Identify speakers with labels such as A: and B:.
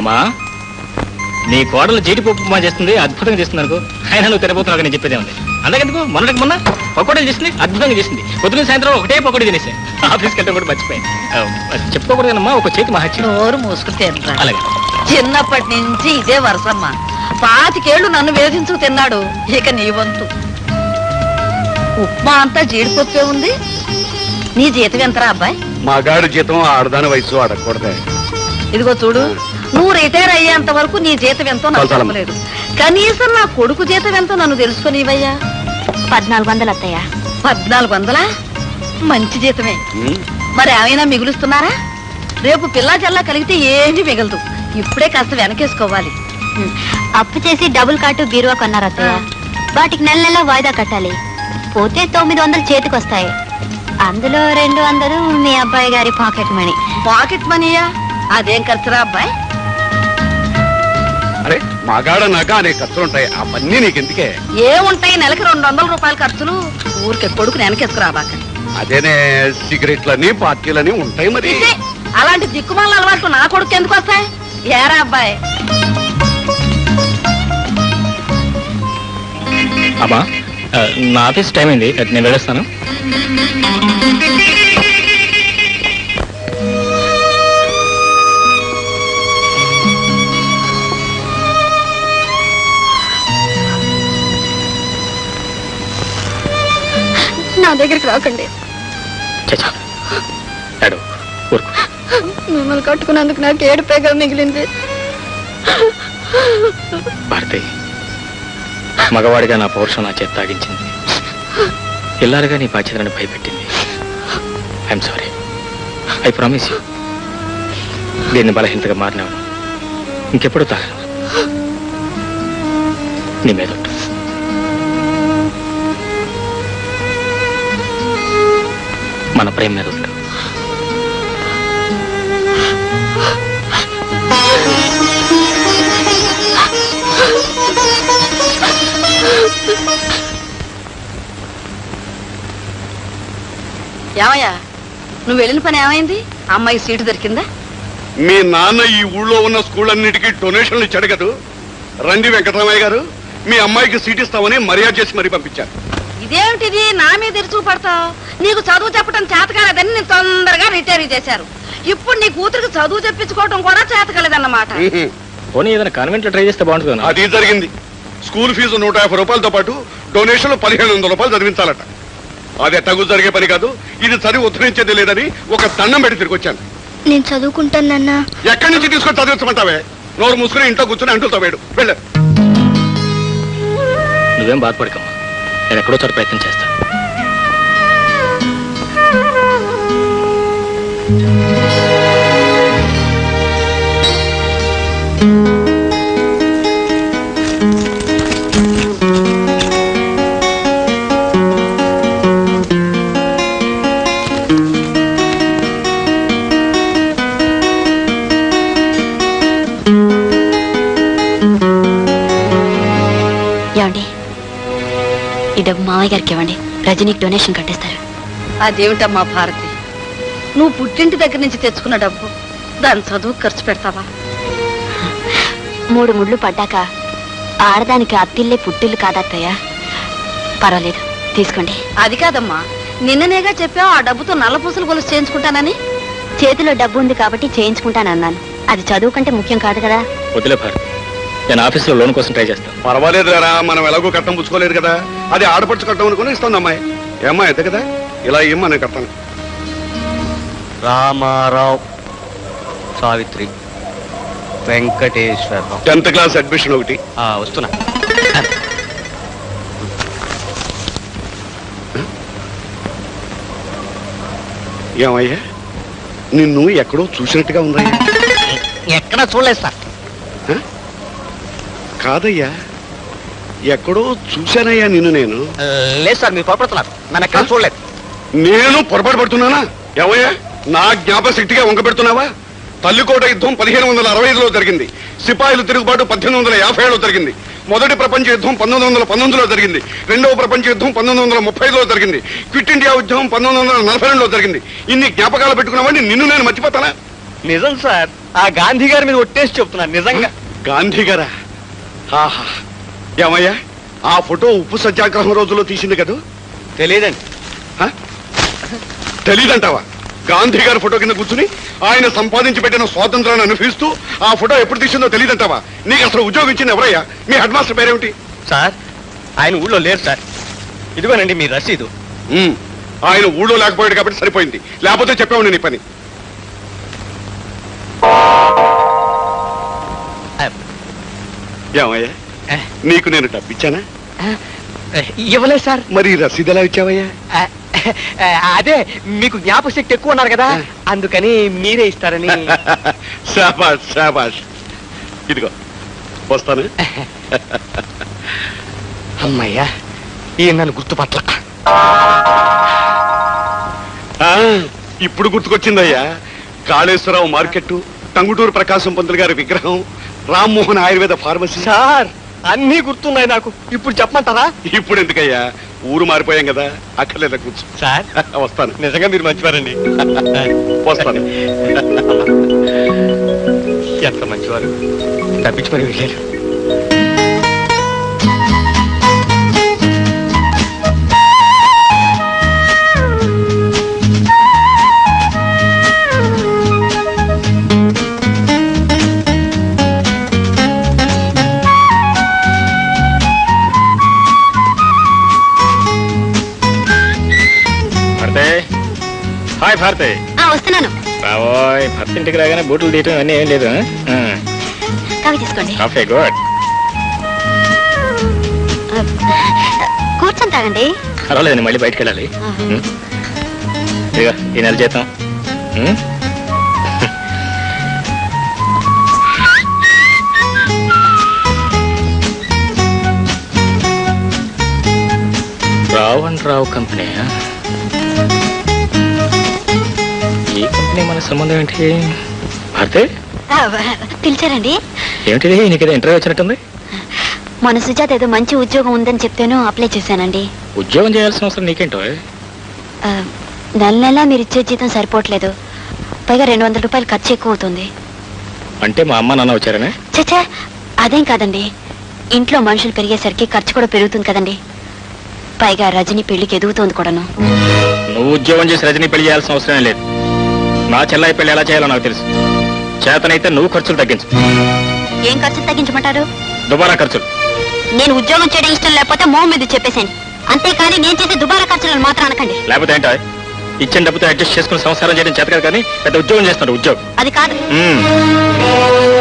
A: అమ్మా నీ కోడలు జీడిపప్పు ఉప్మా చేస్తుంది, అద్భుతంగా చేస్తుంది అనుకో. అయినా నువ్వు తినబోతున్నావు నేను చెప్పేదే ఉంది. అందుకెందుకు మొన్నటికి మొన్న పకోడీలు చేసింది, అద్భుతంగా చేసింది. పొద్దున సాయంత్రం ఒకటే పకోడీ తినేసా. ఆఫీస్కి వెళ్తే కూడా మర్చిపోయాను. చెప్పుకోకూడదమ్మా, ఒక చేతి మహత్యం.
B: నోరు మూసుకుని
A: అలాగే.
B: చిన్నప్పటి నుంచి ఇదే వరసమ్మ. 25 ఏళ్ళు నన్ను వేధించు తిన్నాడు. ఇక నీ వంతు. ఉప్మా అంతా జీడిపప్పే ఉంది. నీ జీతం ఎంతరా అబ్బాయి?
C: మగాడు జీతం ఆడదాని వయసు అడగకూడదే.
B: ఇదిగో చూడు, నువ్వు రిటైర్ అయ్యేంత వరకు నీ జీతం ఎంతో నాకు చెప్పలేదు. కనీసం నా కొడుకు జీతం ఎంతో నన్ను తెలుసుకునివయ్యా.
D: 1400 అత్తయ్య.
B: 1400? మంచి జీతమే. మరి ఏమైనా మిగులుస్తున్నారా? రేపు పిల్లా జల్లా కలిగితే ఏమీ మిగలదు. ఇప్పుడే కాస్త వెనకేసుకోవాలి.
D: అప్పు చేసి డబుల్ కాటు బీరువా కొన్నారు అత్తయ్య. వాటికి నెల నెల వాయిదా కట్టాలి. పోతే 900 చేతికి వస్తాయి. అందులో 200 మీ అబ్బాయి గారి పాకెట్ మనీ.
B: పాకెట్ మనీయా? అదేం ఖర్చురా అబ్బాయి?
C: అరే మగాడన్నాక అనేక ఖర్చులుంటాయి, అవన్నీ నీకెందుకే?
B: ఏముంటాయి? నెలకి 200 రూపాయల ఖర్చులు. ఊరికే కొడుకుని వెనకేసుకురాబాక.
C: అదేనే సిగరెట్లని పార్టీలని ఉంటాయి మరి.
B: అలాంటి దిక్కుమాల అలవాట్లు నా కొడుకు ఎందుకు వస్తాయి? ఏరా అబ్బాయి?
A: అమ్మా నా ఆఫీస్ టైం అయింది, నేను వెళ్ళొస్తాను.
D: నా దగ్గరికి రాకండి. మిమ్మల్ని కట్టుకున్నందుకు నాకు ఏడుపేగా మిగిలింది.
A: భారతి, మగవాడిగా నా పౌరుషం నా చేత తాగించింది. ఇల్లాలుగా నీ బాధ్యతలను భయపెట్టింది. I'm sorry. I promise you, దీన్ని బలహీనతగా మారినాను. ఇంకెప్పుడు తాగను. నీ మీద మన ప్రేమ మీద ఉంటా.
B: ఏమయ్యా, నువ్వు వెళ్ళిన పని ఏమైంది? అమ్మాయి సీటు దొరికిందా?
C: మీ నాన్న ఈ ఊళ్ళో ఉన్న స్కూళ్ళన్నిటికీ డొనేషన్లు ఇచ్చాడు కదా. రండి వెంకటరామయ్య గారు, మీ అమ్మాయికి సీట్ ఇస్తామని మర్యాద చేసి మరీ పంపించారు.
B: ఇదేమిటిది? నా మీద ఎరుచూ పడతావు? నీకు చదువు చెప్పడం చేతకాలేదని నేను తొందరగా రిటైర్ చేశారు. ఇప్పుడు నీ కూతురికి చదువు చెప్పించుకోవడం కూడా చేతకాలేదన్నమాట.
A: పోనీ ఏదైనా కాన్వెంట్ లో ట్రై చేస్తే బాగుంటుంది.
C: అది జరిగింది. స్కూల్ ఫీజు 150 రూపాయలతో పాటు డొనేషన్లు 1500 రూపాయలు చదివించాలట. అది ఎట్టగు జరిగే పని కాదు. ఇది చదివి ఉద్ధరించేది లేదని ఒక దండం పెట్టి తిరిగి వచ్చాను.
D: నేను చదువుకుంటానన్నా.
C: ఎక్కడి నుంచి తీసుకొని చదివించమంటావే? నోరు మూసుకుని ఇంట్లో కూర్చొని అంటులతో వేడు. వెళ్ళు.
A: నువ్వేం బాధపడకమ్మా, నేను ఎక్కడో చోట ప్రయత్నం చేస్తాను.
D: ఏమండి, ఈ డబ్బు మావయ్య గారికి ఇవ్వండి. రజనీకి డొనేషన్ కట్టేస్తారు.
B: అదేమిటమ్మా భారతి, నువ్వు పుట్టింటి దగ్గర నుంచి తెచ్చుకున్న డబ్బు దాని చదువు ఖర్చు పెడతావా?
D: 3 ముళ్ళు పడ్డాక ఆడదానికి అత్తిల్లే పుట్టిల్లు కాదత్తయ్య. పర్వాలేదు, తీసుకోండి.
B: అది కాదమ్మా, నిన్ననేగా చెప్పావు ఆ డబ్బుతో నల్ల పూసలు గొలుసు చేయించుకుంటానని.
D: చేతిలో డబ్బు ఉంది కాబట్టి చేయించుకుంటానన్నాను. అది చదువు కంటే ముఖ్యం కాదు కదా.
A: వదిలే భారతి, నేను ఆఫీసులో లోన్ కోసం ట్రై చేస్తాను.
C: పర్వాలేదు రా, మనం ఎలాగో కట్టం పుచ్చుకోలేదు కదా. అది ఆడపడుచు కట్టం అనుకుని ఇస్తుంది అమ్మాయి. ఏమ్మా ఎద్ద కదా, ఇలా ఏమ్మా నేను కట్టాను.
E: Ramarao, Savitri, Venkateswararao.
C: 10th class admission ఒకటి.
E: వస్తున్నా.
C: ఏమయ్యా, నిన్ను ఎక్కడో చూసినట్టుగా ఉందయ్యా.
E: ఎక్కడ చూడలేదు సార్.
C: కాదయ్యా, ఎక్కడో చూశానయ్యా నిన్ను నేను.
E: లేదు సార్, మీరు పొరపడుతున్నారు. నన్ను ఎక్కడ చూడలేదు.
C: నేను పొరపాటు పడుతున్నానా? ఏమయ్యా, నా జ్ఞాపశక్తిగా వంక పెడుతున్నావా? తల్లికోట యుద్ధం 1565లో జరిగింది. సిపాయిలు తిరుగుబాటు 1857లో జరిగింది. మొదటి ప్రపంచ యుద్ధం 1919లో జరిగింది. రెండవ ప్రపంచ యుద్ధం 1930లో జరిగింది. క్విట్ ఇండియా ఉద్యమం 1942లో జరిగింది. ఇన్ని జ్ఞాపకాలు పెట్టుకున్నామని నిన్ను నేను మర్చిపోతానా?
E: నిజం సార్, ఆ గాంధీ గారి మీద ఒట్టేసి చెప్తున్నాను నిజంగా.
C: గాంధీ గారా? ఆహా, ఏమయ్యా ఆ ఫోటో ఉప్పు సత్యాగ్రహం రోజుల్లో తీసింది కదా?
E: తెలియదండి.
C: హ? తెలీదంటావా? గాంధీ గారి ఫోటో కింద కూర్చుని ఆయన సంపాదించి పెట్టిన స్వాతంత్రాన్ని అనుభవిస్తూ ఆ ఫోటో ఎప్పుడు తీసిందో తెలియదంటావా? నీకు అసలు ఉద్యోగం ఇచ్చింది ఎవరయ్యా? మీ హెడ్ మాస్టర్ పేరేమిటి?
E: సార్ ఆయన ఊళ్ళో లేరు సార్. ఇదిగోనండి మీ రసీదు.
C: ఆయన ఊళ్ళో లేకపోయాడు కాబట్టి సరిపోయింది, లేకపోతే చెప్పావు నీ పని. ఏమయ్యా నీకు నేను డబ్బిచ్చానా?
E: ఇవ్వలేదు సార్.
C: మరి రసీదు ఎలా ఇచ్చావయ్యా?
E: అదే మీకు జ్ఞాపశక్తి ఎక్కువ ఉన్నారు కదా, అందుకని మీరే ఇస్తారని.
C: శాబాష్ శాబాష్. ఇదిగో వస్తాను.
E: అమ్మయ్యా ఈ నన్ను గుర్తుపట్ల.
C: ఇప్పుడు గుర్తుకొచ్చిందయ్యా. కాళేశ్వరరావు మార్కెట్, టంగుటూరు ప్రకాశం పంతులు గారి విగ్రహం, రామ్మోహన్ ఆయుర్వేద ఫార్మసీ.
E: సార్ అన్నీ గుర్తున్నాయి నాకు. ఇప్పుడు చెప్పమంటారా?
C: ఇప్పుడు ఎందుకయ్యా, ఊరు మారిపోయాం కదా, అక్కర్లేదా కూర్చో.
E: సార్
C: వస్తాను.
E: నిజంగా మీరు మంచివారండి.
C: వస్తాను.
E: ఎంత మంచివారు, తప్పించి మరి వెళ్ళారు.
A: హాయ్ భారతి.
D: వస్తున్నాను.
A: రావోయ్, భర్త ఇంటికి రాగానే బూట్లు తీయటం అన్నీ ఏం లేదు.
D: కాఫీ తీసుకోండి.
A: Coffee good.
D: కూర్చొని తాగండి.
A: పర్వాలేదండి, మళ్ళీ బయటకు వెళ్ళాలి. ఇదిగో ఈ నెల జీతం. రావు కంపెనీ. ఈ కంపెనీ మన సంబంధం ఏంటి భారతి?
D: పిలిచారండి?
A: ఏమిటిది, నీకేదో ఇంటర్వ్యూ వచ్చినట్టుంది.
D: మన సుజాత ఏదో మంచి ఉద్యోగం ఉందని చెప్తేను అప్లై చేశానండి.
A: ఉద్యోగం చేయాల్సిన అవసరం నీకేంటో?
D: నెల నెలా మీరు ఇచ్చే జీతం సరిపోవట్లేదు, పైగా 200 రూపాయలు ఖర్చు ఎక్కువ అవుతుంది.
A: అంటే మా అమ్మ నాన్న వచ్చారనే?
D: చచ్చా, అదేం కాదండి. ఇంట్లో మనుషులు పెరిగేసరికి ఖర్చు కూడా పెరుగుతుంది కదండి. పైగా రజని పెళ్లికి ఎదుగుతోంది కూడాను.
A: నువ్వు ఉద్యోగం చేసి రజని పెళ్లి చేయాల్సిన అవసరం లేదు. నా చెల్లాయి పెళ్లి ఎలా చేయాలో నాకు తెలుసు. చేతనైతే నువ్వు ఖర్చులు తగ్గించు.
D: ఏం ఖర్చులు తగ్గించమంటారు?
A: దుబారా ఖర్చులు.
D: నేను ఉద్యోగం చేయడం ఇష్టం లేకపోతే మోహం మీద చెప్పేసాను. అంతేకాని నేను చేసే దుబారా ఖర్చులను మాత్రం అనకండి.
A: లేకపోతే ఏంటో ఇచ్చిన డబ్బుతో అడ్జస్ట్ చేసుకుని సంసారం చేయడం చేత కాదు, కానీ పెద్ద ఉద్యోగం చేస్తాడు. ఉద్యోగం
D: అది కాదు.